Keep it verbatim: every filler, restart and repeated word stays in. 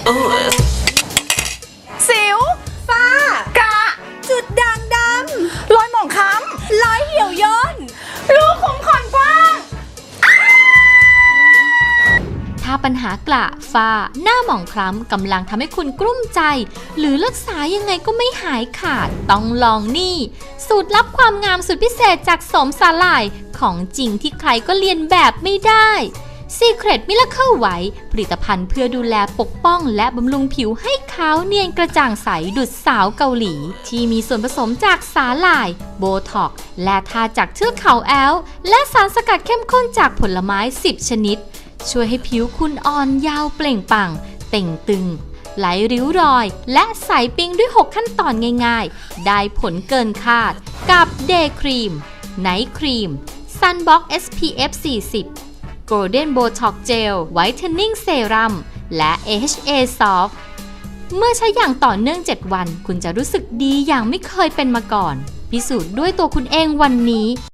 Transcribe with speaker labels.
Speaker 1: สิวฝ้ากระจุดด่างดำรอยหมองคล้ำรอยเหี่ยวย่นรูขุมขนกว้าง
Speaker 2: ถ้าปัญหากระฝ้าหน้าหมองคล้ำกำลังทำให้คุณกลุ้มใจหรือรักษายังไงก็ไม่หายขาดต้องลองนี่สูตรลับความงามสุดพิเศษจากโสมสาหร่ายของจริงที่ใครก็เรียนแบบไม่ได้ Secret Miracle White ผลิตภัณฑ์เพื่อดูแลปกป้องและบำรุงผิวให้ขาวเนียนกระจ่างใสดุจสาวเกาหลีที่มีส่วนผสมจากสาหร่ายโบท็อกซ์และทาจากเทือกเขาแอลป์และสารสกัดเข้มข้นจากผลไม้สิบชนิดช่วยให้ผิวคุณอ่อนยาวเปล่งปลั่งเต่งตึงไหลริ้วรอยและใสปิ๊งด้วยหกขั้นตอนง่ายๆได้ผลเกินคาดกับ Day Cream Night Cream Sunblock เอส พี เอฟ สี่สิบ Golden Botox Gel Whitening Serum และ เอ เอช เอ Soft เมื่อใช้อย่างต่อเนื่องเจ็ดวันคุณจะรู้สึกดีอย่างไม่เคยเป็นมาก่อนพิสูจน์ด้วยตัวคุณเองวันนี้